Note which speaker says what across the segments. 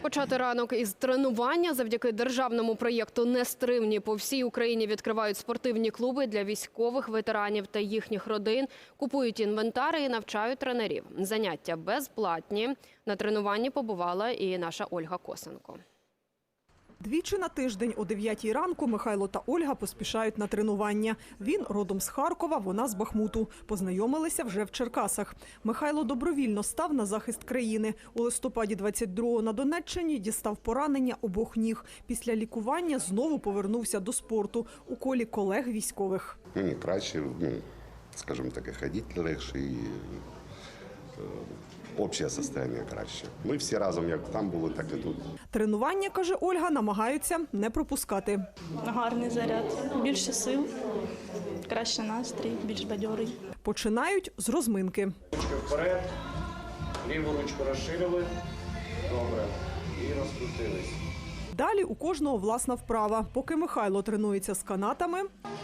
Speaker 1: Почати ранок із тренування. Завдяки державному проєкту «Нестримні» по всій Україні відкривають спортивні клуби для військових, ветеранів та їхніх родин. Купують інвентар і навчають тренерів. Заняття безплатні. На тренуванні побувала і наша Ольга Косенко.
Speaker 2: Двічі на тиждень о 9 ранку Михайло та Ольга поспішають на тренування. Він родом з Харкова, вона з Бахмуту. Познайомилися вже в Черкасах. Михайло добровільно став на захист країни. У листопаді 22-го на Донеччині дістав поранення обох ніг. Після лікування знову повернувся до спорту у колі колег військових.
Speaker 3: Мені краще, скажімо так, ходити легше і общее состояние краще. Ми всі разом, як там були, так і тут.
Speaker 2: Тренування, каже Ольга, намагаються не пропускати.
Speaker 4: Гарний заряд, більше сил, краще настрій, більш бадьорий.
Speaker 2: Починають з розминки.
Speaker 5: Ручки вперед, ліву ручку розширили, добре, і розкрутились.
Speaker 2: Далі у кожного власна вправа. Поки Михайло тренується з канатами,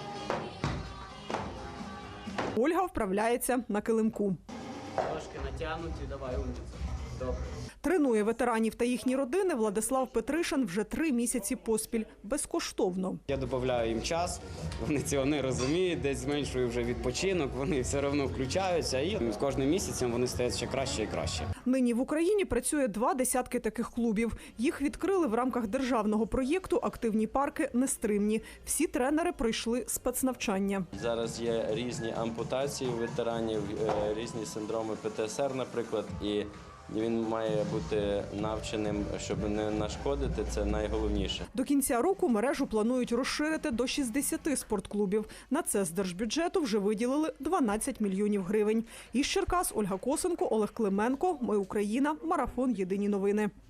Speaker 2: Ольга вправляється на килимку.
Speaker 6: Трошки натягнуті, давай, умниця. Добре.
Speaker 2: Тренує ветеранів та їхні родини Владислав Петришин вже 3 місяці поспіль. Безкоштовно.
Speaker 6: Я додаю їм час, вони цього не розуміють, десь зменшую вже відпочинок, вони все одно включаються і з кожним місяцем вони стають ще краще і краще.
Speaker 2: Нині в Україні працює 20 таких клубів. Їх відкрили в рамках державного проєкту «Активні парки Нестримні». Всі тренери пройшли спецнавчання.
Speaker 7: Зараз є різні ампутації у ветеранів, різні синдроми ПТСР, наприклад, і він має бути навченим, щоб не нашкодити, це найголовніше.
Speaker 2: До кінця року мережу планують розширити до 60 спортклубів. На це з держбюджету вже виділили 12 мільйонів гривень. Із Черкас Ольга Косенко, Олег Клименко. Ми Україна. Марафон. Єдині новини.